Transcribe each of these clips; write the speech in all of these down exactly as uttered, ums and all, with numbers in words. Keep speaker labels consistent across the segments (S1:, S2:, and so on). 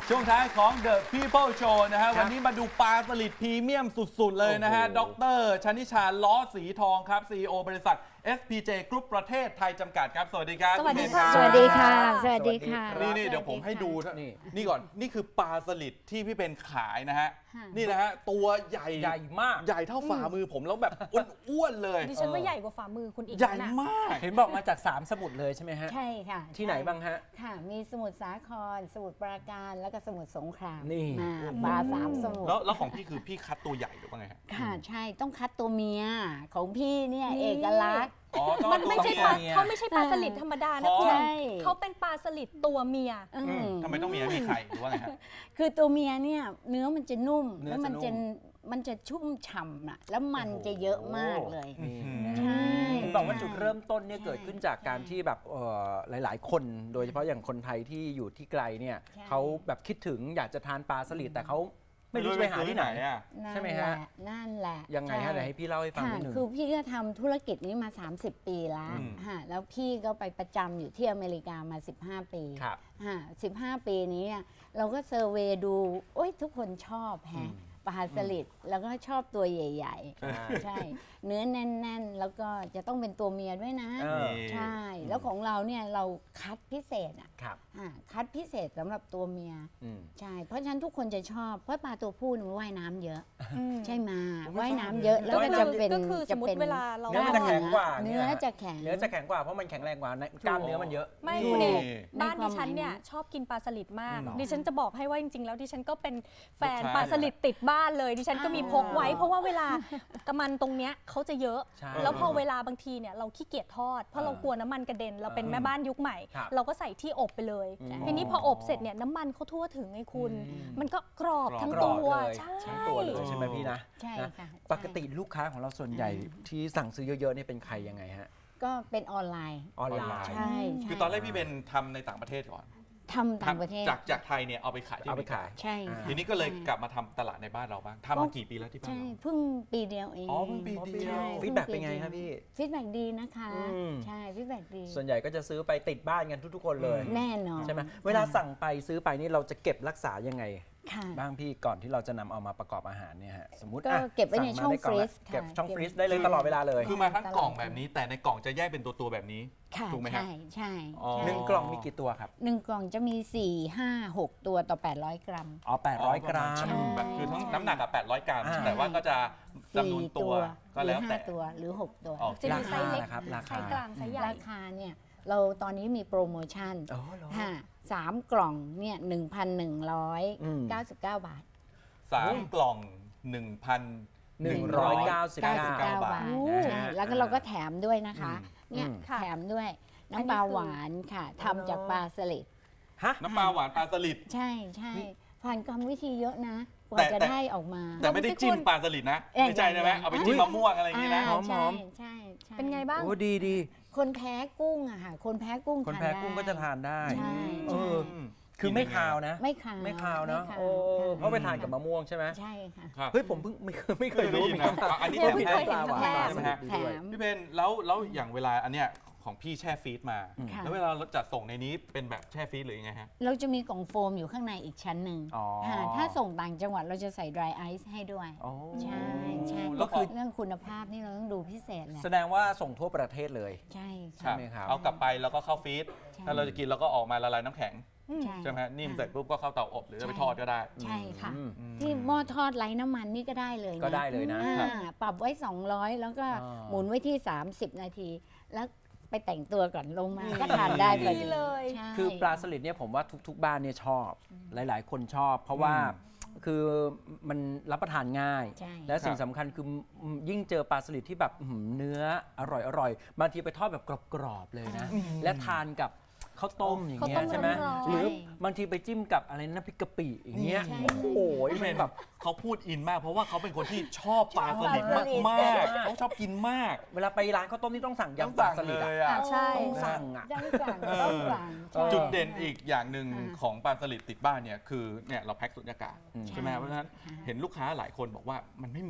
S1: ช่วงท้ายของ The People Show นะฮะวันนี้มาดูปลาสลิดพรีเมียมสุดๆเลยนะฮะดร.ชนิชาล้อสีทองครับ ซี อี โอ บริษัท เอส พี เจ Group ประเทศไทยจำกัดครับสวัสดีครับ
S2: สวัสดีค่ะ
S3: สวัสดีค่ะ สวัสดีค่ะ
S1: นี่นี่เดี๋ยวผมให้ดูนี่นี่ก่อนนี่คือปลาสลิดที่พี่เป็นขายนะฮะนี่นะฮะตัวใหญ่
S4: ใหญ่มาก
S1: ใหญ่เท่าฝ่ามือผมแล้วแบบอ้วนๆเลย
S2: ดิฉันว่าใหญ่กว่าฝ่ามือคุณอีก
S1: ใหญ่
S2: นะ
S1: มาก
S4: เห็นบอกมาจากสามสมุทรเลยใช่ไหมฮะ
S3: ใช่ค่ะ
S4: ที่ไหนบ้างฮะ
S3: ค่ะ มีสมุทรสาคร สมุทรปราการ แล้วก็สมุทรสงคราม
S4: นี่
S3: อ่าปลาสามสมุทร
S1: แล้วแล้วของพี่คือพี่คัดตัวใหญ่หรือว่าไงฮะ
S3: ค่ะ ใช่ ต้องคัดตัวเมีย ของพี่เนี่ยเอกลักษณ์
S1: อ๋อต้อง
S2: มันไม่ใช่ปลา
S4: ตัวเมีย
S2: เขาไม่ใช่ปลาสลิดธรรมดานะคุณ
S3: ใช่
S2: เขาเป็นปลาสลิดตัวเมีย
S3: อื
S1: อืม
S3: ม
S1: ทำไมต้องมีมีไข่หรือว่าไงฮะ
S3: คือตัวเมียเนี่ยเนื้อมันจะนุ่ม
S4: เนื้อ
S3: แล้วมัน
S4: จะ
S3: จะ
S4: นุ่ม
S3: มันจะชุ่มฉ่ำอะแล้วมันจะเยอะมากเลย
S1: อืม
S3: ใช่
S4: เห็นบอกว่าจุดเริ่มต้นเนี่ย
S3: ใช่
S4: เกิดขึ้นจากการที่แบบเอ่อหลาย ๆ คนโดยเฉพาะอย่างคนไทยที่อยู่ที่ไกลเนี่ย
S3: ใช่
S4: เขาแบบคิดถึงอยากจะทานปลาสลิดแต่เขาไม่รู้จะไปหาที่ไหน
S1: อ่ะ
S3: นั่น
S4: ใช่ไหม
S3: แห
S4: ฮะ
S3: ละนั่นแหละ
S4: ยังไงฮะ
S3: ใช่
S4: เดี๋ยวให้พี่เล่าให้ฟัง
S3: ค่ะ
S4: นิดนึง
S3: คือพี่ก็ทำธุรกิจนี้มา สามสิบ ปีแล้ว
S1: อืม
S3: ฮะแล้วพี่ก็ไปประจำอยู่ที่อเมริกามา สิบห้า ปี
S4: ครับ
S3: ฮะสิบห้า ปีนี้เนี่ยเราก็เซอร์เวย์ดูโอ้ยทุกคนชอบแฮะปลาสลิดแล้วก็ชอบตัวใหญ่
S4: อ่า
S3: ๆ ใช่ เนื้อแน่น ๆ แล้วก็จะต้องเป็นตัวเมียด้วยนะ
S4: เออ
S3: ใช่ แล้วของเราเนี่ยเราคัดพิเศษอ่ะ
S4: ครับ
S3: อ่าคัดพิเศษสำหรับตัวเมีย
S4: อืม
S3: ใช่ เพราะฉะนั้นทุกคนจะชอบเพราะปลาตัวผู้เนี่ยมันว่ายน้ำเยอะ
S2: อืม
S3: ใช่ไหม
S4: ผมไม่
S3: ว่าย
S4: ทราบ
S3: น้ำเยอะ
S4: เลย
S3: แล้วก็จะเป็น
S2: ก็คือสมมุติ
S3: จะป็น
S2: เวลาเรา
S4: เนื้อจะแข็งกว่า
S3: เนื้อจะแข็ง
S4: เนื้อจะแข็งกว่าเพราะมันแข็งแรงกว่าในกล้ามเนื้อมันเยอะ
S2: ไม่
S1: นี่
S2: คุณเอก
S3: ใน
S2: บ้าน
S3: ควา
S2: ดิ
S3: ม
S2: ฉันเนี่ย
S3: หมายนะ
S2: ชอบกินปลาสลิดมาก
S4: หรอ
S2: ดิฉันจะบอกให้ว่าจริง ๆ แล้วดิฉันก็เป็นแฟน
S1: ลูกค้า
S2: ปลาสลิดติดบ้านเลย ดิฉันก็มีพกไว้
S3: อ้าว
S2: เพราะว่าเวลากระมันตรงเนี้ยเขาจะเยอะ
S4: ใช่
S2: แล้วพอเวลาบางทีเนี่ยเราขี้เกียจทอด เพราะเรากลัวน้ำมันกระเด็น เราเป็นแม่บ้านยุคใหม่
S4: ครับ
S2: เราก็ใส่ที่อบไปเลย
S4: อืม
S2: ทีนี้พออบเสร็จเนี่ยน้ำมันเขาทั่วถึงไงคุณ
S4: อืม
S2: มันก็กรอบ
S1: กรอบ
S2: ทั้ง
S4: กร
S2: ตั
S4: อบ
S2: ว
S4: เลย
S2: ใช่
S4: ทั้งตัวเลยใช่ไหมพี่นะ
S3: ใช่
S4: นะ
S3: ค่ะ
S4: ปกติลูกค้าของเราส่วนใหญ่ที่สั่งซื้อเยอะๆเนี่ยเป็นใครยังไงฮะ
S3: ก็เป็นออนไลน์
S4: ออนไลน์
S3: ใช่ใช่
S1: คือตอนแรกพี่เป็นทำในต่างประเทศก่อน
S3: ทำต่างประเทศ
S1: จากจากไทยเนี่ยเอาไปขายที่
S4: เอาไปขาย
S3: ใช่ค่ะ
S1: ทีนี้ก็เลยกลับมาทำตลาดในบ้านเราบ้างทำมากี่ปีแล้วที่บ้าน
S3: ใช่
S1: เรา
S3: เพิ่งปีเดียวเอง
S1: อ๋อเพิ่งปีเดียว
S3: ใช่
S4: ฟีดแบ็กเป็นไงครับพี่
S3: ฟีดแบ็กดีนะคะ
S4: อืม
S3: ใช่ฟีดแบ็กดี
S4: ส่วนใหญ่ก็จะซื้อไปติดบ้านกันทุกๆคนเลย
S3: แน่นอน
S4: ใช่ไหมเวลาสั่งไปซื้อไปนี่เราจะเก็บรักษายังไง
S3: ค่ะ
S4: บ้างพี่ก่อนที่เราจะนำเอามาประกอบอาหารเนี่ยฮะสมมติ
S3: ก็
S4: อ่ะ
S3: เก็บไว้ใน
S4: สั่
S3: ช่อง
S4: มาได้กล่ละ
S3: ฟรีซค่ะ
S4: เก็บช่อง
S3: เก็บ
S4: ฟรีซได้เลยตลอดเวลาเลย
S1: คือมาทั้งกล่องแบบนี้ แต่ในกล่องจะแยกเป็นตัวตัวๆแบบนี้
S3: ค่ะ
S1: ถูกไหมฮะ
S3: ใช่ใช่
S1: อ๋อ
S3: ใช่
S4: หนึ่งกล่องมีกี่ตัวครับ
S3: หนึ่งกล่องจะมี สี่ ห้า หก ตัวต่อ แปดร้อย กรัม
S4: อ๋อแปดร้อยกรัม
S3: ใช่
S1: แบบคือทั้งน้ำหนักกับแปดร้อยกรัม
S4: อ่า
S1: แต่ว่าก็จะจำนวน
S3: สี่
S1: ตัวก็
S3: หรื
S1: แล้ว
S3: ห้า
S1: แต่
S3: ตัวหรือ หก ตัว
S1: อ๋อ
S2: จะมีไซส์เล็ก
S4: ราคานะครับราคา
S2: ไซส์กลางไซส์ใหญ่
S3: ราคาเนี่ยเราตอนนี้มีโปรโมชั่น
S4: อ๋อเหรอ
S3: ค่ะสามกล่องเนี่ยหนึ่งพันหนึ่งร้อย
S4: อืม
S3: เก้าสิบเก้าบาท
S1: สามกล่องหนึ่งพัน
S4: หนึ่งร้อยเก้าสิบ
S3: เก้า
S4: เก้า
S3: สิบเก้า
S1: บา
S3: บา
S1: ท
S3: ท
S4: นะ
S3: ใช่
S4: ฮะ
S3: แล้วก็เราก็แถมด้วยนะคะ
S1: อืม
S3: เนี่ย
S4: อืม
S2: ค่ะ
S3: แถมด้วยน้ำปลาหวานค่ะทำจากปลาสลิด
S4: ฮะ
S1: น้ำปลาหวานปลาสลิด
S3: ใช่ใช่ผ่านกรรมวิธีเยอะนะก
S1: แต่
S3: ว่าจะ
S1: แต่
S3: ได้ออกมา
S1: แต่ไม่ได้จิ้มปลาสลิดนะ
S3: เอ้ย
S1: ไม่ใช่ใช่ไหม
S3: ยัง
S1: เอาไปจิ้มมะม่วงอะไรอย่างนี้นะ
S3: า
S4: หอม
S3: ใช่
S4: หอม
S3: ใช่ใช่
S2: เป็นไงบ้าง
S4: โอ้ดีดี
S3: คนแพ้กุ้งอะค่ะคนแพ้กุ้ง
S4: คน
S3: ทาน
S4: แพ้
S3: ได้
S4: กุ้งก็จะทานได้
S3: ใช่
S4: เอ
S3: ใช่
S4: อ คือไม่คาวนะ
S3: ไม่ขาว
S4: ไม่คาวเนาะ
S3: ไม่
S4: โอ้
S3: ค่ะ
S4: เพราะไปทานกับมะม่วงใช่ไหม
S3: ใช่ค่ะ
S1: ครับ
S4: เฮ้ยผมเพิ่งไม่เคยไม่เคยรู้
S1: ไม่เคยได้ยินนะ
S4: เหมือนกั
S1: อันนี้
S4: โอ้
S1: แถม
S4: ผิด
S1: ให้
S4: ปลาหวาน
S3: แถ
S4: ปลาม สลิดดี
S3: แถ
S4: ด้วย
S3: ม
S1: พี่เพนแล้วแล้วอย่างเวลาอันเนี้ยของพี่แช่ฟรีซมา
S3: ค่ะ
S1: แล้วเวลาเราจัดส่งในนี้เป็นแบบแช่ฟรีซหรือยังไงฮะ
S3: เราจะมีกล่องโฟมอยู่ข้างในอีกชั้นหนึ่ง
S4: อ๋อ
S3: ค่ะถ้าส่งต่างจังหวัดเราจะใส่ dry ice ให้ด้วย
S4: อ๋อ
S3: ใช่ใช่
S1: แล้วคือ
S3: เรื่องคุณภาพนี่เราต้องดูพิเศษแหละ
S4: แสดงว่าส่งทั่วประเทศเลย
S3: ใช่
S4: ใช่ไหมครับ
S1: เอากลับไปแล้วก็เข้าฟรีซ
S3: ใช่
S1: ถ้าเราจะกินเราก็ออกมาละลายน้ำแข็ง
S3: ใช่
S1: ใช่ไหมฮะนิ่มเสร็จ
S3: ค่ะ
S1: ปุ๊บก็เข้าเตาอบหรือจะไปทอดก็ได้
S3: ใช่ค่ะ
S4: อืม
S3: ที่หม้อทอดไร้น้ำมันนี่ก็ได้เลยนะ
S4: ก็ได้เลยนะ
S3: อ่าปรับไว้ สองร้อย แล้วก็
S4: อ่า
S3: หมุนไว้ที่ สามสิบ นาที แล้วไปแต่งตัวก่อนลงมาก็ทานได้พอ
S2: ดี
S3: ดี
S2: เลย
S3: ใช่
S4: คือปลาสลิดเนี่ยผมว่าทุกๆ บ้านเนี่ยชอบ หลายๆ คนชอบ เพราะว่าคือมันรับประทานง่าย
S3: ใช่
S4: และสิ่งสำคัญคือยิ่งเจอปลาสลิดที่แบบอื้อหือเนื้ออร่อยอร่อยบางทีไปทอดแบบกรอบๆเลยนะ และทานกับข้าวต้มอย่างเงี้ย
S2: ข้าวต้ม
S4: ใช่ไหม
S2: ร้อนๆ
S4: หรือบางทีไปจิ้มกับอะไรน้ำพริกกะปิอย่างเงี้ย
S3: ใช่
S4: โอ้โห
S1: พี่เพ
S4: มัน
S1: น
S4: แบ
S1: แบบ บเขาพูดอินมากเพราะว่าเขาเป็นคนที่ชอบปลาสลิดมากมากๆเขาชอบกินมาก
S4: เวลาไปร้านข้าวต้มนี่ต้องสั่ง
S1: ต้อง
S4: ยำปลา
S1: สั่ง
S4: สลิด
S1: เล
S4: อะ
S1: ยอ่ะ
S2: อ่ะใช่
S4: ต้องสั่งอะ
S3: ต้องสั่ง
S1: เออ
S3: ต้องสั่งใช่
S1: จุดเด่นอีกอย่างหนึ่ง
S3: ค่ะ
S1: ของปลาสลิดติดบ้านเนี่ยคือเนี่ยเราแพ็คสุญญากาศ
S4: อืม
S1: ใช่ไหมเพราะฉะนั้นเห็นลูกค้าหลายคนบอกว่ามันไม่เหม็น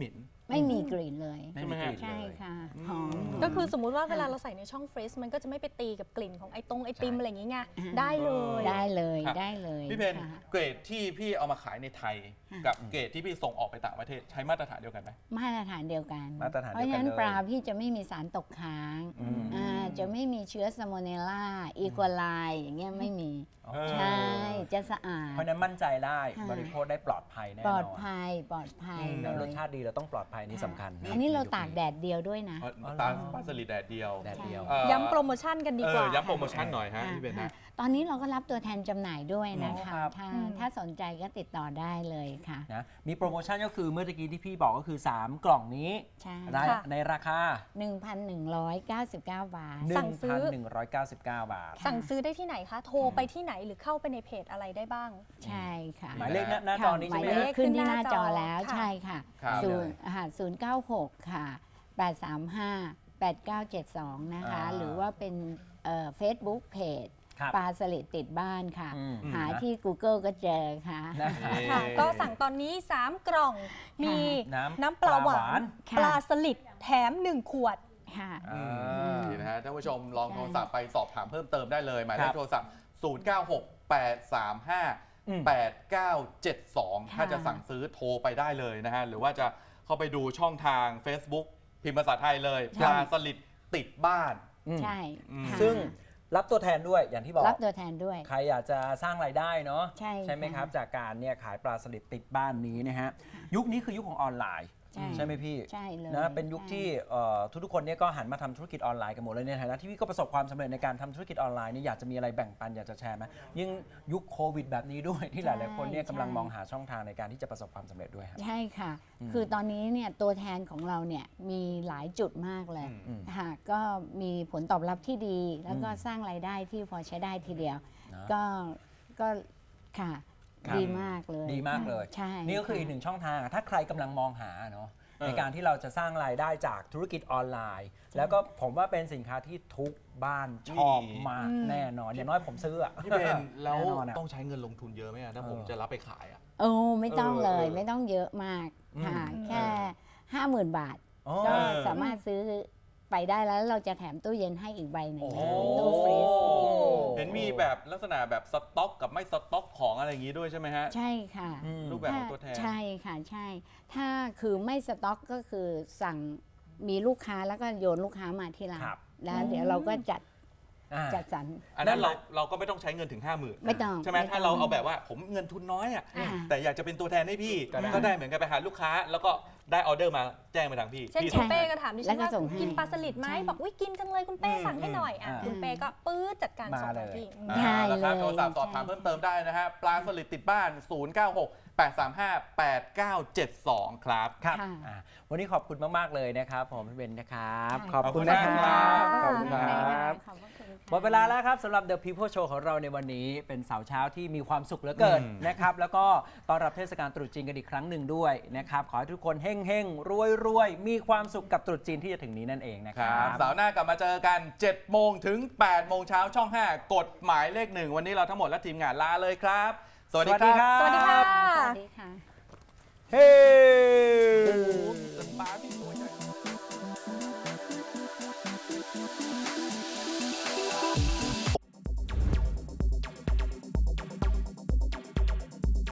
S3: ไม่มีกลิ่นเลย
S4: ไม่มีกลิ่น
S3: ใช่
S4: เลย
S3: ค่ะหอม
S2: ก็คือสมมุติว่าเวลาเราใส่ในช่องฟรีซมันก็จะไม่ไปตีกับกลิ่นของไอตรงไอติมอะไรอย่างงี้ไง
S3: อ่า
S2: ได้เลย
S3: ได้เลย
S1: ครับ
S3: ได้เลย
S1: พี่เพน
S3: ค่ะ
S1: เกรดที่พี่เอามาขายในไทย กับเกรดที่พี่ส่งออกไปต่างประเทศใช้มาตรฐานเดียวกันไหม
S3: มาตรฐานเดียวกัน
S4: มาตรฐาน
S3: เพ
S4: เดียวกัน
S3: ราะฉะนั้น
S4: เลย
S3: ปลาพี่จะไม่มีสารตกค้าง
S4: อืม
S3: อ่าจะไม่มีเชื้อสโมเนลล่าอีโคไลอย่างเงี้ยไม่มี
S1: เออ
S3: ใช่จะสะอาด
S4: เพราะฉะนั้นมั่นใจได้
S3: ค่ะ
S4: บริโภคได้ปลอดภัยแน่น
S3: ป
S4: อน
S3: ลอดภัยปลอดภัย
S1: อืม
S3: เล
S4: รส
S3: ย
S4: ชาติดีเราต้องปลอดภัยนี่สำคัญ
S3: อันนี้เราตากแดดเดียวด้วยนะ
S1: เอาปลาปลาสลิดแดดเดียว
S4: แดดเดียว
S1: เอ่อ
S2: ย้ำโปรโมชั่นกันดีกว่า
S1: เออย้ำโปรโมชั่นหน่อยฮะพี่เพนนะ
S3: ตอนนี้เราก็รับตัวแทนจำหน่ายด้วยนะคะ
S4: อ๋อครับ
S3: ถ้า
S2: อืม
S3: ถ้าสนใจก็ติดต่อได้เลยค่ะ
S4: นะมีโปรโมชั่นก็คือเมื่อกี้ที่พี่บอกก็คือ สาม กล่องนี้
S3: ใช่
S4: ได้
S2: ค่ะ
S4: ในราคา
S3: หนึ่งพันหนึ่งร้อยเก้าสิบเก้า บาท
S2: สั่งซื้อ
S4: หนึ่งพันหนึ่งร้อยเก้าสิบเก้า บาท
S2: สั่งซื้อได้ที่ไหนคะ โทรไปที่ไหนหรือเข้าไปในเพจอะไรได้บ้าง
S3: ใช่ค่ะ
S4: หมายเลขหน้าหน้าจอนี้
S3: ห
S4: ใช่
S3: มาย
S4: ไหม
S3: เล
S4: ฮะ
S3: ขขึ้นที่หน้า
S2: ขึ้นหน้า
S3: จ
S2: จ
S3: อ
S2: อ
S3: แล้ว
S2: ค่ะ
S3: ใช่ค่ะ
S1: ครับ
S3: ศูนย์ค่ะศูนย์เก้าหกค่ะแปดสามห้าแปดเก้าเจ็ดสองนะคะ
S4: อ่า
S3: หรือว่าเป็นเฟซบุ๊กเพจ
S4: ครับ
S3: ปลาสลิดติดบ้านค่ะ
S4: อืม
S3: หาที่ Google ก็เจอค่ะ
S4: นะ
S2: ค่ะ ก็สั่งตอนนี้ สาม กล่อง มี
S4: น้ำ
S2: น้ำปลาหวา
S4: ปลาหวาน น
S3: ค่ะ
S2: ปลาสลิดแถม หนึ่ง ขวด
S3: ค่ะ
S4: อ่า
S1: นี่นะฮะท่านผู้ชมลอง
S3: ใช่
S1: โทรศัพท์ไปสอบถามเพิ่มเติมได้เลย หมายเล
S4: ครั
S1: ข
S4: บ
S1: โทรศัพท์ ศูนย์ เก้า หก แปด สาม ห้า
S4: อืม
S1: แปด เก้า เจ็ด สอง
S3: ค่ะ
S1: ถ้าจะสั่งซื้อโทรไปได้เลยนะฮะ หรือว่าจะเข้าไปดูช่องทาง Facebook พิมพ์ภาษาไทยเลย ปลาสลิดติดบ้าน
S4: อืม
S3: ใช่
S1: อืม
S3: ค่ะ
S4: ซึ่งรับตัวแทนด้วยอย่างที่บอก
S3: รับตัวแทนด้วย
S4: ใครอยากจะสร้างรายได้เนาะ
S3: ใช่
S4: ไหม
S3: ค่ะ
S4: ครับ จากการเนี่ยขายปลาสลิดติดบ้านนี้นะฮะ ยุคนี้คือยุคของออนไลน์
S3: ใช่
S4: ใช่ไหมพี่
S3: ใช่เลย
S4: นะเป็นยุค
S3: ใช่
S4: ที่เอ่อทุกๆคนเนี่ยก็หันมาทำธุรกิจออนไลน์กันหมดเลยในฐานะที่พี่ก็ประสบความสำเร็จในการทำธุรกิจออนไลน์นี่อยากจะมีอะไรแบ่งปันอยากจะแชร์ไหมยิ่งยุคโควิดแบบนี้ด้วยที่หลายๆคนเนี่ยกำลังมองหาช่องทางในการที่จะประสบความสำเร็จด้วยครับ
S3: ใช่ค่ะ
S4: อืม
S3: คือตอนนี้เนี่ยตัวแทนของเราเนี่ยมีหลายจุดมากเลย
S1: อืม
S3: ค่ะก็มีผลตอบรับที่ดี แล้วก็
S4: อืม
S3: สร้างรายได้ที่พอใช้ได้ทีเดียว
S4: นะ
S3: ก็ก็ค่ะ
S4: ครับ
S3: ดีมากเลย
S4: ดีมากเลย
S3: ใช่
S4: นี่ก็คืออีกหนึ่งช่องทางอะถ้าใครกำลังมองหาเนาะ
S1: เออ
S4: ในการที่เราจะสร้างรายได้จากธุรกิจออนไลน์ แล้วก็ผมว่าเป็นสินค้าที่ทุกบ้านชอบมาก
S2: อืม
S4: แน่นอน อย่างน้อยผมซื้ออะ
S1: พี่เพนแล้ว
S4: น่นอนอะ
S1: ต้องใช้เงินลงทุนเยอะไหมอะถ้าผม
S4: เออ
S1: จะรับไปขายอ่ะ
S3: โอ้ไม่ต้องเลย
S1: เออ
S3: ไม่ต้องเยอะมากค่ะ
S2: อืม
S3: แค่ห้าหมื่นบาท
S4: อ๋อ
S3: ก็
S1: เออ
S3: สามารถซื้อไปได้แล้วเราจะแถมตู้เย็นให้อีกใบหนึ่ง
S1: โอ้โห
S3: ตู้ฟรีซ
S1: เห็นมีแบบลักษณะแบบสต็อกกับไม่สต็อกของอะไรอย่างนี้ด้วยใช่ไหมฮะ
S3: ใช่ค่ะ
S4: อืม
S1: รูปแบบของตัวแทน
S3: ใช่ค่ะใช่ ถ้าคือไม่สต็อกก็คือสั่งมีลูกค้าแล้วก็โยนลูกค้ามาที่ร้าน
S4: ครับ
S3: แล้วเดี๋ยวเราก็จัด
S4: อ่า
S3: จัดสรร
S1: อันนั้นเราเราก็ไม่ต้องใช้เงินถึง ห้าหมื่น
S3: ไม่ต้อง
S1: ใช่ไหม
S3: ไม่ต้อง
S1: ถ้าเราเอาแบบว่าผมเงินทุนน้อยอ่ะ
S3: อ่า
S1: แต่อยากจะเป็นตัวแทนให้พี่
S4: ก็ได้
S1: ก็ได้เหมือนกันไปหาลูกค้า แล้วก็ได้ออเดอร์มาแจ้งไปทางพี่
S2: เช่น
S1: พี่
S2: คุณ
S1: ส่ง
S2: เป้
S1: ให้
S2: ก็ถามดิ
S3: แล้
S2: ฉั
S3: วน ก็
S2: ว่า
S3: ส่งให้
S2: กินปลาสลิดไหม
S3: ใช่
S2: บอกวิกินจังเลยคุณเป้
S1: อืม
S2: สั่งให้หน่อยอ่ะ
S4: อ่า
S2: คุณเป้ก็ปื๊ดจัดการส่ง
S4: มา
S2: มา
S4: เลย
S2: ที่
S3: ใช่
S1: อ่าราคา
S3: เลย
S1: โทรศัพท์สอบถาม
S3: ใช่
S1: เพิ่มเติมได้นะฮะ ปลาสลิดติดบ้าน ศูนย์ เก้า หก แปด สาม ห้า แปด เก้า เจ็ด สอง ครับ
S4: ครับ
S3: ค่ะ
S4: อ่าวันนี้ขอบคุณมาก ๆ เลยนะครับ ผมพี่เบนนะครับ
S3: ค่ะ
S4: ขอบคุณนะค
S1: ขอบคุณ
S4: รั
S1: ครับ บ
S4: ขอบคุณครับ
S3: ขอบพระคุณค่ะ
S4: หมดเวลาแล้วครับสำหรับ The People Show ของเราในวันนี้เป็นเสาร์เช้าที่มีความสุขเหลือเกิน
S1: อืม
S4: นะครับ แล้วก็ต้อนรับเทศกาลตรุษจีนกันอีกครั้งหนึ่งด้วยนะครับ ขอให้ทุกคนเฮ่งเฮ่งรวยรวยๆ มีความสุขกับตรุษจีนที่จะถึงนี้นั่นเองนะค
S1: ค
S4: รั
S1: รับ บเสาร์หน้ากลับมาเจอกัน เจ็ด โมงถึง แปด โมงเช้าช่อง ห้า กฎหมายเลขหนึ่งวันนี้เราทั้งหมดและทีมงานลาเลยครับ สวัสดีครับ
S2: สวัสดีค่ะ
S3: สวัสดีค่ะ
S4: เฮ้